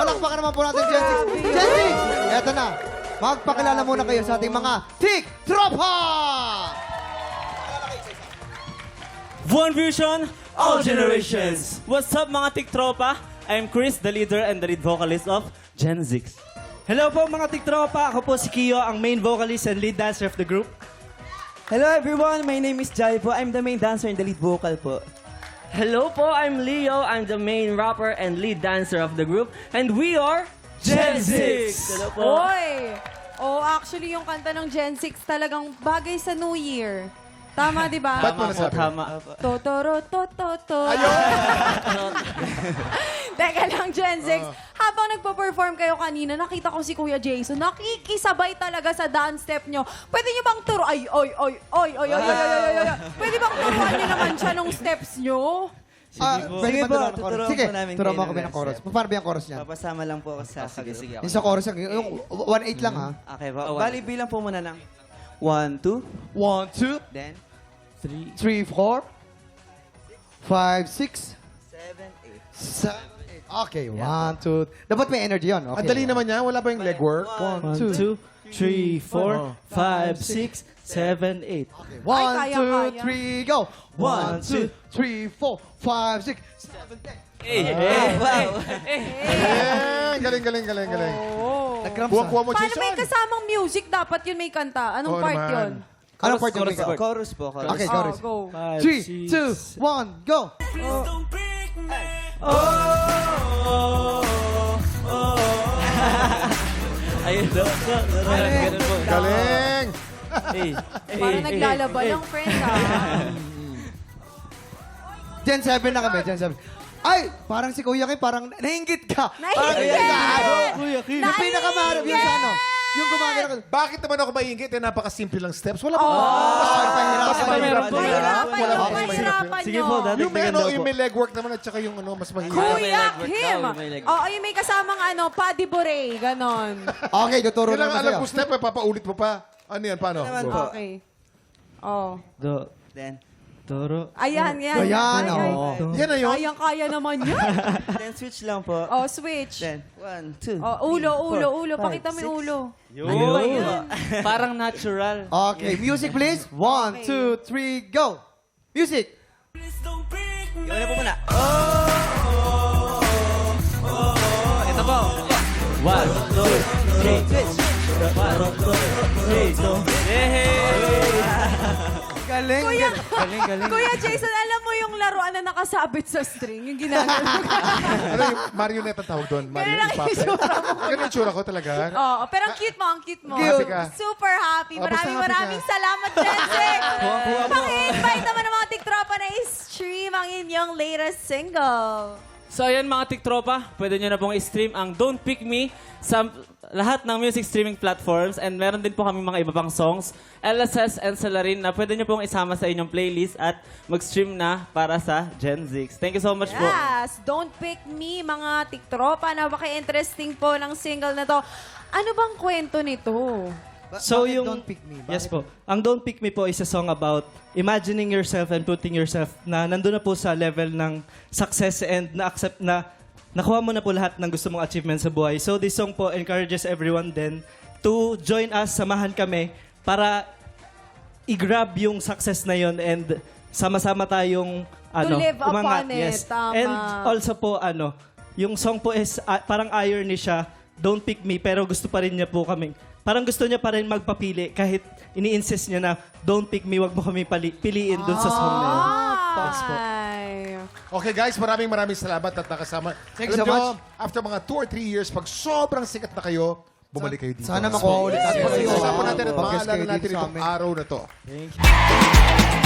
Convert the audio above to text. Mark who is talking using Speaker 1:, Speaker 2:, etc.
Speaker 1: Palakpakan naman po natin, Gen 6. Gen 6! Eto na. Magpakilala muna kayo sa ating mga Tik-Tropa!
Speaker 2: One Vision, all generations! What's up mga tiktropa? I'm Chris, the leader and the lead vocalist of Gen 6.
Speaker 3: Hello po mga tiktropa, ako po si Kiyo, ang main vocalist and lead dancer of the group.
Speaker 4: Hello everyone, my name is Jai po. I'm the main dancer and the lead vocal po.
Speaker 5: Hello po, I'm Leo. I'm the main rapper and lead dancer of the group. And we are
Speaker 2: Gen 6!
Speaker 5: Hello po.
Speaker 6: Oy! Oh, actually, yung kanta ng Gen 6 talagang bagay sa New Year. Tama, di ba?
Speaker 2: Tama po, tama.
Speaker 6: Totoro, to. Teka lang, Gen 6. Habang nagpo-perform kayo kanina, nakita ko si Kuya Jason. Nakikisabay talaga sa dance step nyo. Pwede nyo bang turo? Ay. Pwede bang turuan nyo naman siya nung steps nyo?
Speaker 1: Pwede ba turuan ng chorus?
Speaker 4: tuturuan
Speaker 1: Sige,
Speaker 4: po namin
Speaker 1: turuan mo
Speaker 4: kayo
Speaker 1: kami
Speaker 4: ng
Speaker 1: ng chorus.
Speaker 4: step.
Speaker 1: Paano ba yung chorus niya?
Speaker 4: Papasama lang po ako sa
Speaker 5: Sige.
Speaker 1: Yung sa chorus, yung 1-8 lang ha.
Speaker 4: Okay po. Bali, bilang po muna ng 1, 2,
Speaker 1: 1, 2,
Speaker 4: then
Speaker 1: 3, 4, 5, 6,
Speaker 4: 7, 8.
Speaker 1: 7, 8. Okay, 1, 2. Dapat may energy yun. Okay.
Speaker 7: Ang dali naman niya, wala pa yung legwork.
Speaker 3: 1, 2, 3, 4, 5, 6, 7, 8.
Speaker 1: 1,
Speaker 6: kaya.
Speaker 1: 2, 3, go! 1, 2, 3, 4, 5, 6, 7, 8.
Speaker 4: Wow!
Speaker 7: Galing.
Speaker 6: Oh.
Speaker 1: Nag-cramps
Speaker 7: Kuha mo,
Speaker 6: Paano may
Speaker 7: Jason.
Speaker 6: kasamang music? Dapat yun may kanta. Anong
Speaker 7: Oo
Speaker 6: part
Speaker 7: naman.
Speaker 6: yun?
Speaker 1: Anong part yung ikaw?
Speaker 4: Chorus po, chorus.
Speaker 1: Okay,
Speaker 6: Oh,
Speaker 1: chorus.
Speaker 6: go.
Speaker 1: 3, 2, 1, go!
Speaker 2: Ayun daw. Ganun po.
Speaker 7: Galing.
Speaker 6: Parang naglalaba lang, friend, ha?
Speaker 1: Gen 7 na kami, Gen 7. Ay, parang si Kuya Kim, parang nainggit ka.
Speaker 6: Nainggit!
Speaker 1: Kuya Kim. Yung pinakamarap, yung sa ano, yung gumagana ka.
Speaker 7: Bakit naman ako maiingit? Eh, napakasimple lang steps. Wala pa.
Speaker 1: Mas
Speaker 7: mahirap po.
Speaker 6: Mahirapan
Speaker 7: Wala
Speaker 6: nyo,
Speaker 7: pa mas
Speaker 6: mahirapan
Speaker 3: Sige
Speaker 6: nyo.
Speaker 3: po, dati
Speaker 7: Yung may, ano, yung may legwork naman at saka yung ano, mas mahirap.
Speaker 6: Kuya
Speaker 5: legwork
Speaker 6: Kim!
Speaker 5: daw, may legwork.
Speaker 6: Oo, yung may kasamang ano, Paddy Bure, ganon.
Speaker 1: Okay, tuturo
Speaker 7: Kailangan
Speaker 1: naman
Speaker 7: alam
Speaker 1: sa'yo.
Speaker 7: ko step, eh, papaulit mo pa. Ano yan, paano?
Speaker 4: Naman
Speaker 7: Go.
Speaker 4: po.
Speaker 6: Okay. Oh.
Speaker 3: Do,
Speaker 4: Then
Speaker 3: toro.
Speaker 6: Ayan.
Speaker 1: Ayan, oo.
Speaker 7: Yan na yun.
Speaker 6: Kayang-kaya naman yan.
Speaker 4: then switch lang po.
Speaker 6: Oh, switch.
Speaker 4: Then 1, 2.
Speaker 6: Oh, ulo. Pakita mo yung ulo.
Speaker 2: Yun. Parang natural.
Speaker 1: Okay, music please. 1, 2, 3, go! Music!
Speaker 4: Yung una po muna.
Speaker 2: Ito po. 1, 2, 3.
Speaker 4: Switch.
Speaker 1: Galing.
Speaker 6: Kuya,
Speaker 3: Galing.
Speaker 6: Kuya Jason, alam mo yung laruan na nakasabit sa string? Yung ginagawa.
Speaker 7: Ano yung marionette ang tawag doon?
Speaker 6: Ganun ang
Speaker 7: Puppet.
Speaker 6: itsura mo.
Speaker 7: Ganun yung itsura ko talaga.
Speaker 6: Oo, pero ang cute mo.
Speaker 7: Happy ka.
Speaker 6: Super happy.
Speaker 7: Basta happy
Speaker 6: Maraming
Speaker 7: ka.
Speaker 6: salamat, Jensek. Paki-invite naman ng mga tiktropa na i-stream ang inyong latest single.
Speaker 2: So ayan mga tiktropa, pwede nyo na pong i-stream ang Don't Pick Me sa lahat ng music streaming platforms and meron din po kami mga iba pang songs, LSS and Salarin na pwede nyo pong isama sa inyong playlist at mag-stream na para sa Gen 6. Thank you so much po.
Speaker 6: Yes, Don't Pick Me, mga tiktropa. Napaka-interesting po ng single na to. Ano bang kwento nito?
Speaker 3: So
Speaker 1: Bakit
Speaker 3: yung
Speaker 1: Don't Pick Me?
Speaker 3: Yes po. Ang Don't Pick Me po is a song about imagining yourself and putting yourself na nandun na po sa level ng success and na-accept na nakuha mo na po lahat ng gusto mong achievement sa buhay. So this song po encourages everyone then to join us, samahan kami para i-grab yung success na yon and sama-sama tayong
Speaker 6: live upon
Speaker 3: umangat.
Speaker 6: it.
Speaker 3: Yes.
Speaker 6: Tama.
Speaker 3: And also po yung song po is parang irony siya, Don't Pick Me, pero gusto pa rin niya po kami. Parang gusto niya pa rin magpapili kahit ini-insist niya na don't pick me, wag mo kami piliin dun sa song na yun.
Speaker 6: Ay.
Speaker 7: Okay guys, maraming salamat at nakasama.
Speaker 1: Thank you so
Speaker 7: Alam nyo,
Speaker 1: much.
Speaker 7: after mga 2 or 3 years, pag sobrang sikat na kayo, bumalik kayo dito.
Speaker 1: Sana makuha ulit natin kayo.
Speaker 7: Pag-usapan natin at
Speaker 1: Mag-guest
Speaker 7: maalala
Speaker 1: kayo
Speaker 7: natin
Speaker 1: dito sa
Speaker 7: itong
Speaker 1: amin.
Speaker 7: araw na to.